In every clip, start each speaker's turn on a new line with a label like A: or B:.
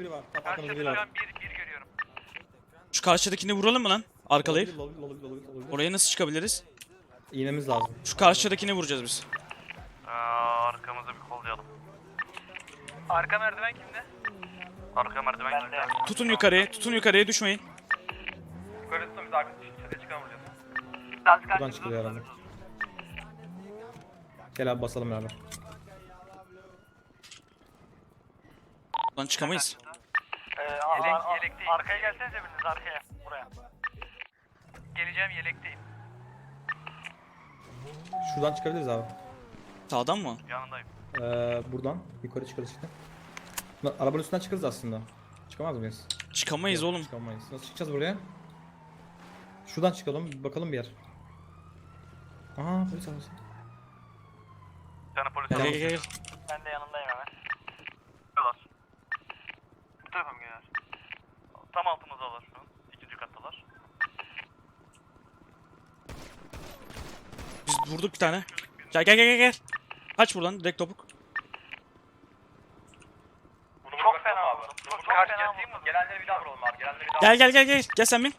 A: biri var. Tam arkamızda
B: Karşıda
A: biri
B: şu
A: var.
B: an bir görüyorum.
C: Şu karşıdakini vuralım mı lan? Arkalayıp.
A: Olabilir.
C: Oraya nasıl çıkabiliriz?
A: İğnemiz lazım.
C: Şu karşıdakini vuracağız biz.
B: Arkamızı bir kollayalım. Arka merdiven kimde? Arka merdiven kimde?
C: Tutun yukarıya düşmeyin.
B: Yukarı tutun biz arka çatıya çıkan vuracağız.
A: Buradan çıkılıyor herhalde. Gel abi basalım beraber.
C: Lan çıkamayız.
B: Yelekteyim. Arkaya gelsenize biriniz arkaya. Buraya. Geleceğim yelekteyim.
A: Şuradan çıkabiliriz abi.
C: Sağdan mı?
B: Yanındayım.
A: Buradan yukarı çıkarız işte. Arabanın üstünden çıkarız aslında. Çıkamaz mıyız?
C: Çıkamayız
A: Yok,
C: oğlum.
A: Çıkamayız. Nasıl çıkacağız buraya? Şuradan çıkalım, bir bakalım bir yer. Aha, polis arabası.
B: Bir tane polis
C: Gel
A: Tamam.
C: gel.
B: Ben de yanındayım hemen. Geliyorlar. Bu tarafa mı geliyorlar? Tam altımızdalar şu an. İkinci kattalar.
C: Biz vurduk bir tane. Gel. Kaç buradan direkt topuk.
B: Çok fena vurdum. Çok fena vurdum. Gelenleri bir daha vuralım abi. Gelenleri bir daha
C: Gel. Gel sen bin.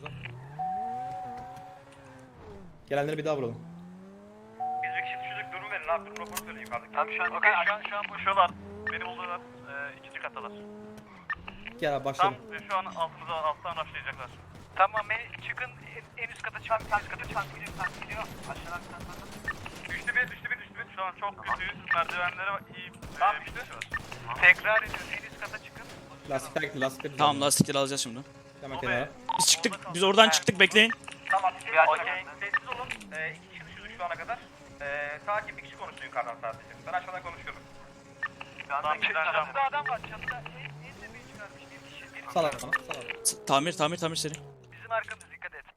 A: Gelenleri bir daha vuralım.
B: Biz bir kişi düşürdük. Durum verin abi. Durum raporu söyleyin yukarıdaki. Tamam şu an boşuyorlar. Beni buldular. İkinci kattalar.
A: Gel abi
B: Tam
A: başlayalım.
B: şu an alttan başlayacaklar. Tamam çıkın en üst kata çıkın. En üst kata çıkın. Gidiyor. Aşağıdan düştü bir. Şu an çok kötüyüz. Merdivenlere iyi bir şey var. Tekrar ediyoruz. En üst kata çıkın.
A: Lastikler güzel.
C: Tamam lastikleri alacağız şimdi.
A: Hemen kenara.
C: Biz oradan çıktık bekleyin.
B: Tamam. Okey. Sessiz olun. İki kişi düşürdük şu ana kadar. Sakin bir kişi konuşsun yukarıdan sadece. Ben aşağıdan konuşuyorum. Tamam. Çatıda adam var. Çatıda en tepeyi çıkarmış bir kişi.
A: Sal abi bana.
C: Tamir seri.
B: Bizim arkamız dikkat et.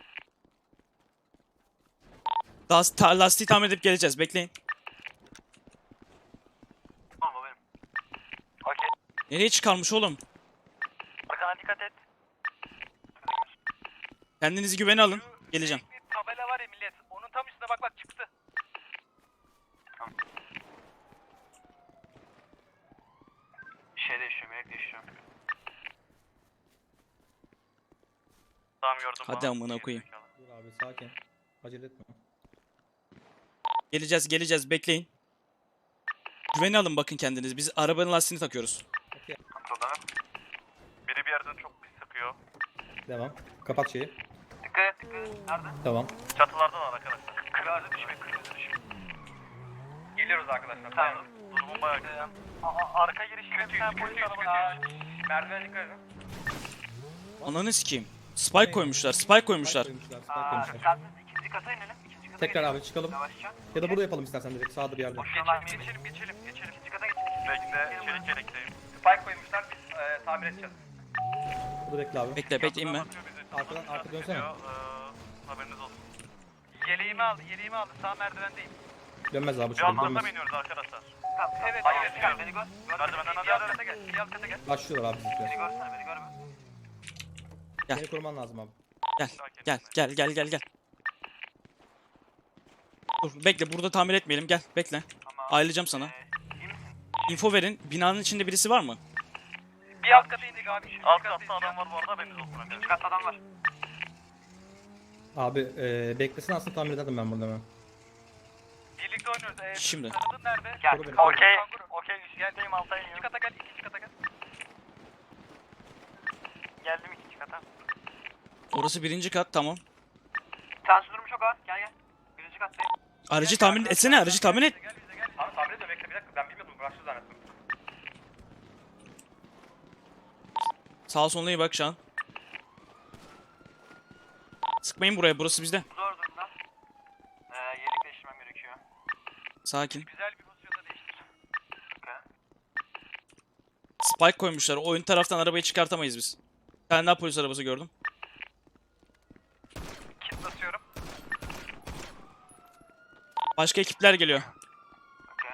C: Lastiği tamir edip geleceğiz bekleyin.
B: Tamam o benim. Okey.
C: Nereye çıkarmış oğlum?
B: Arkana dikkat et.
C: Kendinizi güvene alın. Geleceğim.
B: Bir tabela var ya millet. Onun tam üstüne bak çıktı. Şey değişiyor, melek değişiyor. Tamam gördüm.
C: Hadi amına koyayım.
A: Dur abi sakin. Acele etme.
C: Geleceğiz bekleyin. Güvene alın bakın kendiniz. Biz arabanın lastiğini takıyoruz.
B: Kontrolden. Biri bir yerden çok pis sıkıyor.
A: Devam. Kapat şeyi.
B: Dikkat et. Nerede?
A: Tamam.
B: Çatılardalar arkadaşlar. Kırmızı düşme. Geliyoruz arkadaşlar. Tamam. Durumun bayağı güzel. Arka girişine bir tane polis arabası. Merdiven dikkat edin.
C: Ananı sikeyim. Spike koymuşlar. Spike koymuşlar.
A: Spike koymuşlar.
B: İkinci kata inelim. İkinci kata
A: Tekrar abi çıkalım.
B: Yavaşça.
A: Ya da burada yapalım istersen direkt sağda bir yerde.
B: Geçelim. İkinci kata geçelim. Bekle, çelik yelekteyim. Spike koymuşlar, biz tamir edeceğiz.
A: Burada bekle abi.
C: Bekle inme.
A: Arka dönsene.
B: Haberiniz olsun. Yeleğimi aldı, sağ merdivendeyim.
A: Dönmez abi
B: Bir
A: şurada
B: alttan
A: dönmez.
B: mı iniyoruz arkadaşlar? Evet, hayır, beni gör. Merdivenden hadi alt kata gel, bir alt kata gel.
A: Başlıyorlar abi bizimkiler.
B: Beni görme.
C: Gel.
A: Beni koruman lazım abi.
C: Gel. Dur bekle burada tamir etmeyelim gel bekle.
B: Tamam.
C: Ayrılacağım sana.
B: İyi misin?
C: Info verin. Binanın içinde birisi var mı?
B: Bir alt kata indik abi. Alt katta adam var bu arada, haberiniz olsun arkadaşlar. İkinci katta adam var.
A: Abi beklesin aslında tahmin ederdim ben bunu hemen.
B: Birlikte oynuyoruz.
C: Şimdi.
B: Tanıdın nerede?
A: Gel.
B: Okey. Geldeyim alta iniyorum. İkinci kata gel. Geldim ikinci kata.
C: Orası birinci kat tamam.
B: Tansiyon durumu çok ağır. Gel. Birinci kattayım.
C: Aracı tahmin etsene aracı tahmin et.
B: Gel bize gel. Abi tahmin ediyorum, bekle bir dakika. Ben bilmiyordum, bıraktı zannettim.
C: Sağa soluna iyi bak şu an. Sıkmayın buraya burası bizde.
B: Zor durumda. Yelek değiştirmem gerekiyor.
C: Sakin.
B: Güzel bir pozisyonda değiştir.
C: Spike koymuşlar. O ön taraftan arabayı çıkartamayız biz. Bir tane daha polis arabası gördüm.
B: Kit basıyorum.
C: Başka ekipler geliyor.
B: Okey.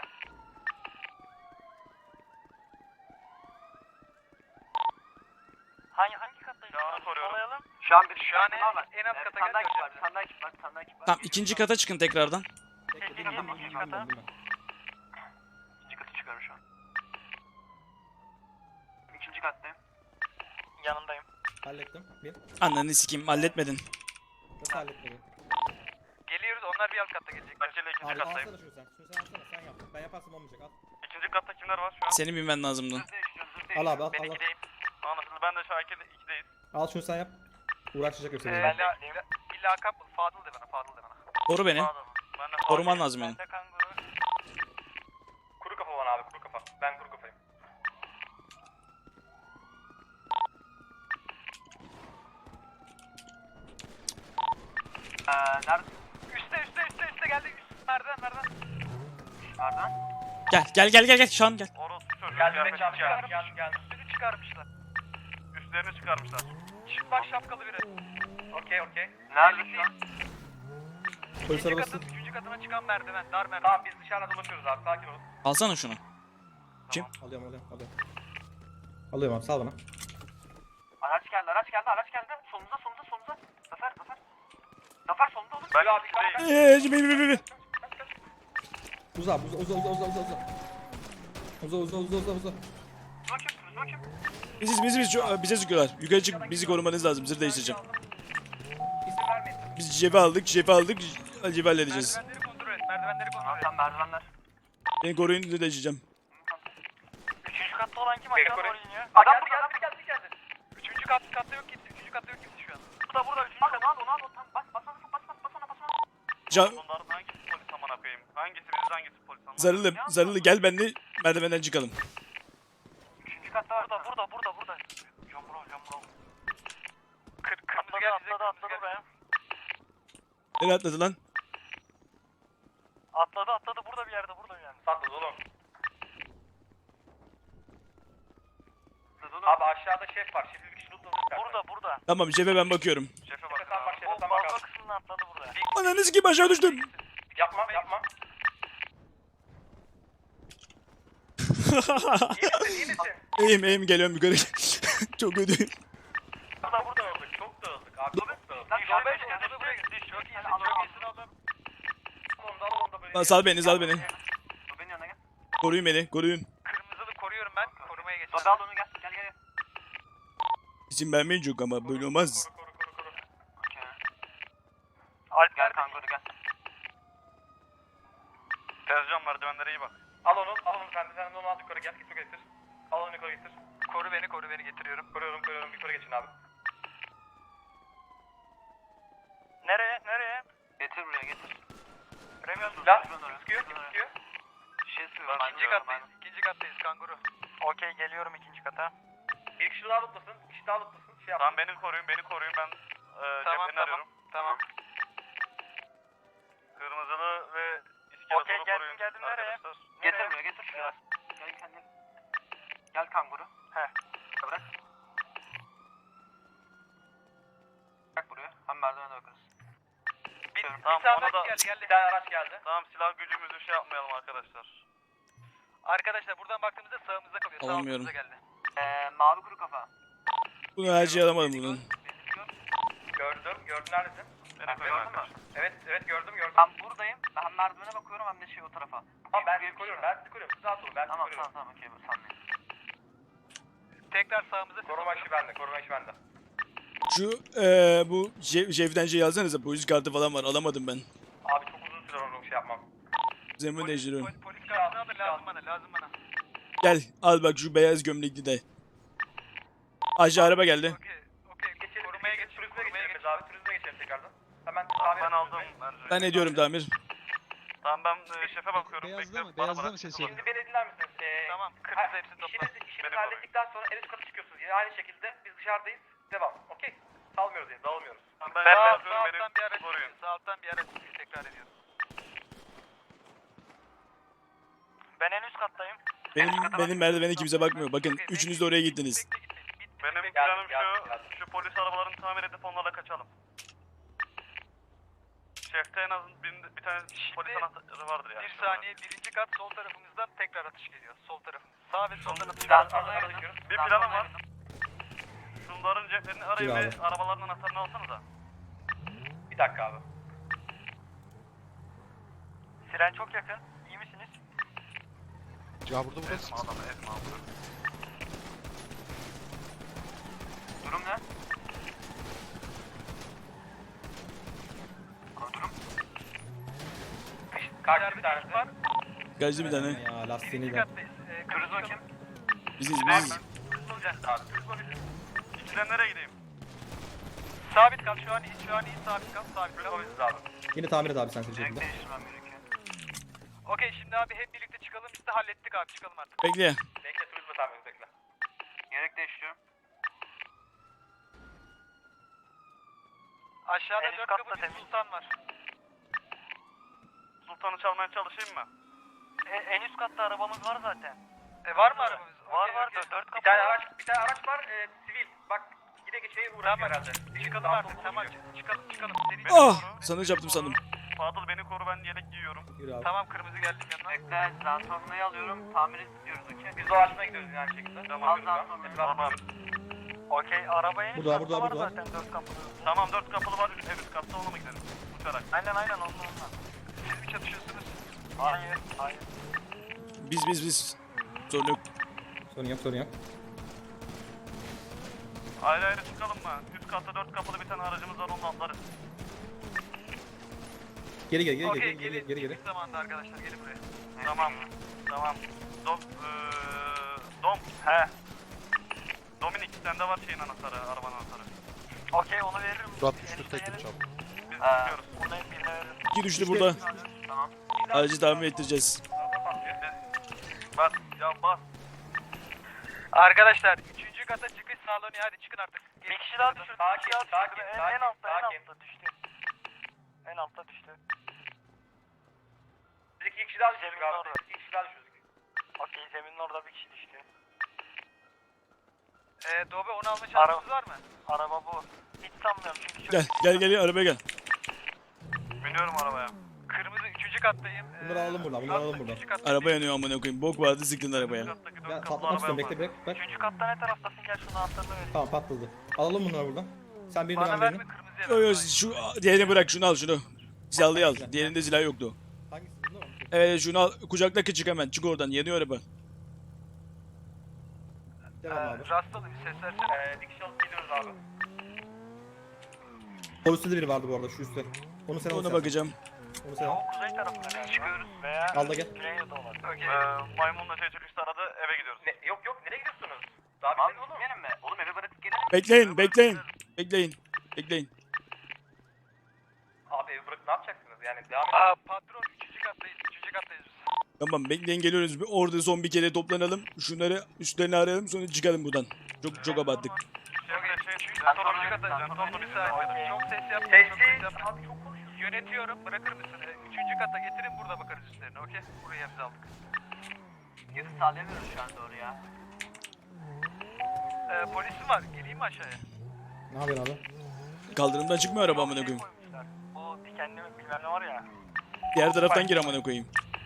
B: Hangi kattayız? Şu an soruyorum. Şu an en alt kata gel. Bir tane daha ekip var.
C: Tamam ikinci kata çıkın tekrardan.
B: İkinci kata. İkinci katı çıkıyorum şu an. İkinci İkinci kattayım. Yanındayım.
A: Hallettim. Bir.
C: Ananı sikeyim halletmedin.
A: Nasıl halletmedin?
B: Geliyoruz, onlar bir alt katta gelecek. Kaçıyla ikinci
A: Abi
B: kattayım.
A: alsana şunu sen. Şunu sen alsana. Sen yap. Ben yaparsam olmayacak. Al.
B: İkinci katta kimler var şu an?
C: Senin bilmen lazımdı.
A: Al abi al.
B: Ben
A: al, al.
B: ikideyim. Anlaşıldı, ben de Şakir'de ikideyiz.
A: Al şunu sen yap. Uğraşacak yoksa. beni.
B: Ben de bir lakap bul. Fadıl de bana, Fadıl de bana.
C: Koru beni.
B: Ben de
C: Koruman lazım
B: Ben
C: yani.
B: de kanguru. Kuru kafa bana abi, kuru kafa. Ben kuru kafayım. Nerede? Üste geldi. Merdiven. Merdiven.
C: Gel şu an gel.
B: Orası çocuğu. Geldi. Üstünü çıkarmışlar. Üstlerini çıkarmışlar. Çıplak şapkalı biri. Okey. Nerede şu an?
A: Polis arabası.
B: Üçüncü katına çıkan merdiven. Dar merdiven. Tamam, biz dışarıda dolaşıyoruz abi. Sakin olun.
C: Alsana şunu.
A: Alıyorum. Alıyorum abi sal bana.
B: Araç geldi. Solumuza. Zafer solunda oğlum. Ben abi
A: Uza. Uza.
B: Bakayım.
C: Bize sıkıyorlar. Yukarı çık bizi korumanız lazım. Zırh değiştireceğim.
B: İsim vermeyin.
C: Biz cebi aldık. Cebi halledeceğiz.
B: Merdivenleri kontrol et. Tamam, merdivenler.
C: Beni koruyun zırh değiştireceğim.
B: Üçüncü katta olan kim? Aşağı doğru iniyor. Adam geldi. Üçüncü katta yok kimse. Şu an. Burada. Üçüncü katta. Onu al. Bas ona. Bunların hangisi polis amına koyayım? Hangisi polis amına?
C: Zarılı gel benimle merdivenden çıkalım.
B: Üçüncü katta var. Burada. Jambro. Kırmızı geldi. Atladı buraya.
C: Nereye atladı lan?
B: Atladı. Burada bir yerde. Atladı oğlum. Abi aşağıda şef var. Şefi bir kişi tuttu. Burada.
C: Tamam şefe ben bakıyorum.
B: Şefe bak. Sen bak. O kısmını atladı buraya.
C: Ananı sikeyim aşağı düştüm.
B: Yapma. İyi misin?
C: İyiyim geliyorum yukarı. Çok kötüyüm.
B: Burada öldük. Çok dağıldık abi. Lan şuraya buraya gitti. Çok iyisin oğlum.
C: Lan sal beni.
B: Benim yanına gel.
C: Koruyun beni.
B: Kırmızılı koruyorum ben. Korumaya geçiyorum. Al onu gel.
C: İzin vermeyin çok ama böyle olmaz.
B: Koru. Alp gel kanguru gel. Tezcan merdivenlere iyi bak. Al onu sen onu al yukarı gel. Yukarı getir. Al onu yukarı getir. Koru beni getiriyorum. Koruyorum yukarı geçin abi. Nereye? Getir buraya getir. Lan sıkıyor. Şey sıkıyor. İkinci kattayız kanguru. Okey geliyorum ikinci kata. Bir kişi daha lootlasın. Tamam beni koruyun ben cepherini arıyorum. Tamam. Kırmızılı ve iskeletonu koruyun. Geldim nereye? Getir şuraya. Gel kanguru. Bırak. Bırak buraya. Hem merdivene bakarız. Tamam, ona da bir tane araç geldi. Tamam, silah gücümüzü şey yapmayalım arkadaşlar. Arkadaşlar buradan baktığımızda sağımızda kalıyor.
C: Alamıyorum.
B: Sağımızda geldi. Mavi kuru kafa.
C: Bunu her şeyi alamadım bunun.
B: Gördüm neredesin? Beni gördün mü? Evet gördüm. Ben buradayım. Ben merdivene bakıyorum hem de o tarafa. Tamam ben sizi koruyorum. Siz rahat olun. Tamam okey sanmayın. Tekrar sağımıza. Koruma işi bende.
C: Şu bu şeften şey alsanıza polis kartı falan var alamadım ben.
B: Abi çok uzun süre onu şey yapmam.
C: Zemin değiştiriyorum.
B: Polis kartını alır lazım bana.
C: Gel al bak şu beyaz gömlekli de. Aşağı araba geldi.
B: Okey. Geçelim. Korumaya geçelim abi. Turizme geçelim tekrardan. Hemen ben aldım.
C: Ben ne diyorum tamir?
B: Tamam ben şefe bakıyorum.
D: Beyazda mı ses geliyor?
B: Şimdi beni dinler misiniz? Tamam. Kırmızı hepsini topla. İşinizi hallettikten sonra en üst kata çıkıyorsunuz. Yine aynı şekilde biz dışarıdayız. Devam. Okey. Salmıyoruz yani. Dağılmıyoruz. Ben sağ alttan bir araç tekrar ediyorum. Ben en üst kattayım.
C: Benim merdivene kimse bakmıyor. Bakın üçünüz de oraya gittiniz.
B: Benim planım şu polis arabalarını tamir edip onlarla kaçalım. Şefte en az bir tane polis anahtarı vardır yani. Bir saniye, birinci kat sol tarafımızdan tekrar atış geliyor. Sol tarafımız. Sağ ve soldan atış geliyor. Bir planım var. Şunların ceplerini arayın ve arabaların anahtarını alsanıza. Bir dakika abi. Siren çok yakın. İyi misiniz?
D: Ya burada burası.
B: Ezme adamı. Kaçtı bir tanesi. Var.
C: Gazlı bir tane.
A: Ya lastiğini
B: İkinci
A: de.
B: kattayız. Cruzo kim?
C: Biziz.
B: İkiden nereye gideyim? Sabit kal şu an iyi sabit kal abi.
A: Yine tamir et abi sen bir şekilde.
B: Değiştirmem gerekiyor. Okey şimdi abi hep birlikte çıkalım biz de hallettik abi çıkalım artık.
C: Bekle.
B: Bekle turizme tamir bekle. Gerek değiştiriyorum. Aşağıda 4 kapı bir sultan var. Sultanı çalmaya çalışayım mı? En üst katta arabamız var zaten. Var mı arabamız? Var var 4 kapı. Bir tane araç var sivil. Bak gide geçeye uğraşıyor herhalde. Çıkalım artık tamam çıkalım.
C: Ah! Sana çarptım sandım.
B: Fadıl beni koru ben yelek giyiyorum.
A: Yürü abi.
B: Tamam kırmızı geldim yanına. Bekle Zantorna'yı alıyorum tamir ediyoruz okey. Biz o ağaçına gidiyoruz yani şekilde. Tamam Tamam. Okey arabaya
A: Burada, burada, burada.
B: zaten 4 kapılı. Tamam 4 kapılı var üst katta ona mı gidelim? Uçarak. Aynen onunla. Siz mi çatışıyorsunuz? Hayır.
C: Biz. Sorun yok.
A: Sorun yok.
B: Ayrı çıkalım mı? Üst katta 4 kapılı bir tane aracımız var onunla atlarız.
A: Geri.
B: Geri. Zamanda arkadaşlar gelin buraya. Tamam. Dom. Dominik sende var şeyin anahtarı, arabanın anahtarı. Okey onu veririm.
D: Murat düştü teknik çal.
B: Biz tutuyoruz. Onu birine veririm.
C: 2 düştü burada.
B: Tamam.
C: Aracı tamir ettireceğiz.
B: Bas. Arkadaşlar 3. kata çıkış sağlanıyor hadi çıkın artık. Bir kişi daha düşürdü. Sakin. En altta düştü. En altta düştü. Biz 2 kişi daha düşürdük abi. 2 kişi daha düşürdük. Okey zeminin orada bir kişi düştü. Dobe onu alma şansınız var mı? Araba bu. Hiç sanmıyorum çünkü
C: Gel arabaya gel.
B: Biniyorum arabaya. Kırmızı 3. kattayım.
A: Bunları alalım buradan.
C: Araba yanıyor amına koyayım. Bok vardı sıktın arabaya.
A: Ya patlamak istiyorum bekle. Bak.
B: 3. katta ne taraftasın gel şunu anahtarını ver.
A: Tamam patladı. Alalım bunları buradan. Sen birini
B: Bana
A: ben
B: verme
A: birini.
B: kırmızıya ver.
C: Yo şu diğerini bırak şunu al şunu. Silahlıyı al. Diğerinde silah yoktu.
A: Hangisi bunda mı?
C: Evet şunu al. Kucakla çık hemen. Çık oradan. Yanıyor araba.
A: Devam abi.
B: Rastalı bir ses versene. Dikiş alıp gidiyoruz abi.
A: Poliste de biri vardı bu arada şu üstte. Onu sen al.
C: Ona bakacağım.
A: Onu sen al.
B: Kuzey tarafına çıkıyoruz veya
A: Al da gel.
B: Güneydoğu olan. Maymunla şey çıkışta aradı eve gidiyoruz. Yok nereye gidiyorsunuz? Daha bitmedi oğlum. Gitmeyelim mi? Oğlum eve bırakıp gidelim.
C: Bekleyin.
B: Abi evi bırakıp ne yapacaksınız yani devam edelim. Patron 3. kattayız biz.
C: Tamam bekleyin geliyoruz. Orada son bir kere toplanalım. Şunları üstlerini arayalım sonra çıkalım buradan. Çok abarttık.
B: Sonuncu kattayız. Sonuncu bir saniye. Çok ses yapmayın. Abi çok konuşuyorsun. Yönetiyorum. Bırakır mısın? 3. kata getirin burada bakarız üstlerine. Okey? Burayı hepsi aldık. Geri sağlayamıyoruz şu an doğru ya. Polisim var. Geleyim mi aşağıya?
A: Ne yapıyorsun abi?
C: Kaldırımdan çıkmıyor araba amına koyayım.
B: Bu dikenli bilmem ne var ya.
C: Diğer taraftan gir amına koyayım.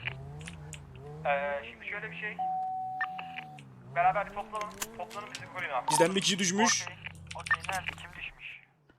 B: Şimdi şöyle bir şey. Beraber bir toplanın bizi koruyun abi.
C: Bizden bir kişi düşmüş.
B: Okey nerede? Kim düşmüş?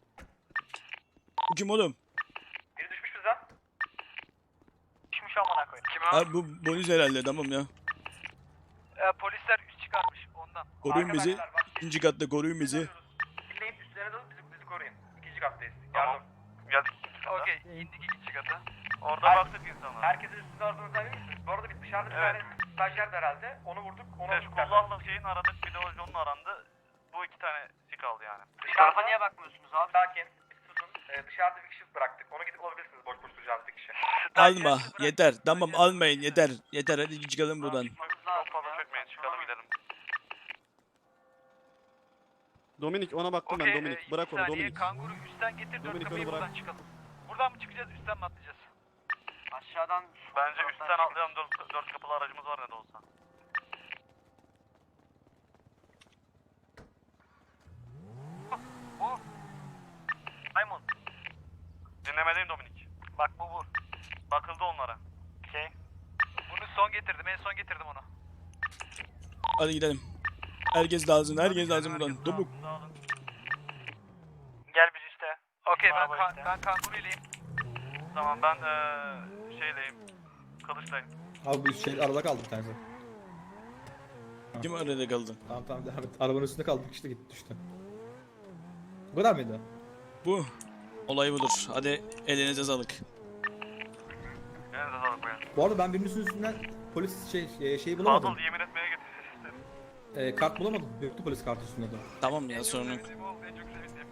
C: Bu kim oğlum?
B: Biri düşmüş bizden. Düşmüş amına koyayım. Kim o?
C: Abi bu bonus herhalde tamam ya.
B: Polisler üst çıkarmış ondan.
C: Koruyun bizi.
B: Arkadaşlar, bak,
C: İkinci katta koruyun bizi.
B: dinleyip üstlerine dalıp bizi koruyun. 2. kattayız. Tamam. Geldik. Okey indik 2. kata. Orada baktık insanlar. Herkesin üstünde aradığını sayıyor musunuz? Bu arada bir dışarıda bir tane stajyer de herhalde. Onu vurduk. Kullandık şeyin aradık. Bir de Ojon'un arandı. Bu 2 tane sik kaldı yani. Tarafa niye bakmıyorsunuz abi? Sakin. Susun. Dışarıda bir kişi bıraktık. Onu gidip alabilirsiniz boş duracağınız bir kişi.
C: Alma yeter. Tamam almayın yeter. Yeter hadi çıkalım buradan.
B: Çok fazla çökmeyin çıkalım gidelim.
D: Dominik ona baktım ben Dominik. Bırak onu Dominik.
B: Kanguru üstten getir 4
D: Dominik,
B: kapıyı
D: onu bırak.
B: buradan çıkalım. Buradan mı çıkacağız üstten mi atlayacağız? Aşağıdan. Bence üstten atlayalım 4 kapılı aracımız var ne de olsa. Bu. Maymun. Dinlemedeyim Dominik. Bak bu. Bakıldı onlara. Okey. Bunu son getirdim en son getirdim onu.
C: Hadi gidelim. Herkes lazım buradan. Topuk.
B: Gel biz üste. Okey ben kanguruylayım. Tamam ben şeyleyim. Kılıçlayım.
A: Abi bu şey arada kaldı bir tanesi.
C: Kim arada kaldı?
A: Tamam devam et. Arabanın üstünde kaldı işte gitti düştü. Bu kadar mıydı?
C: Bu. Olay budur. Hadi elinize sağlık.
B: Elinize sağlık. bakmayın.
A: Bu arada ben birinin üstünden polis şeyi bulamadım.
B: Fadıl yemin etmeye getirsin.
A: Kart bulamadım. Yoktu polis kartı üstünde de.
C: Tamam ya sorun yok.
B: En çok sevindiğim.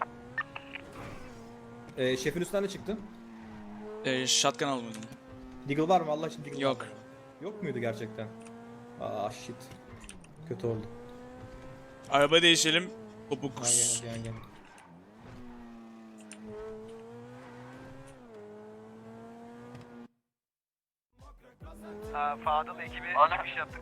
A: Şefin üstünden de çıktı.
C: Shotgun almadım.
A: Deagle var mı? Allah için Deagle
C: Yok.
A: var mı? Yok muydu gerçekten? Aa shit. Kötü oldu.
C: Araba değişelim. Topuk.
A: Gel.
B: Fadıl ekibi çıkış yaptık.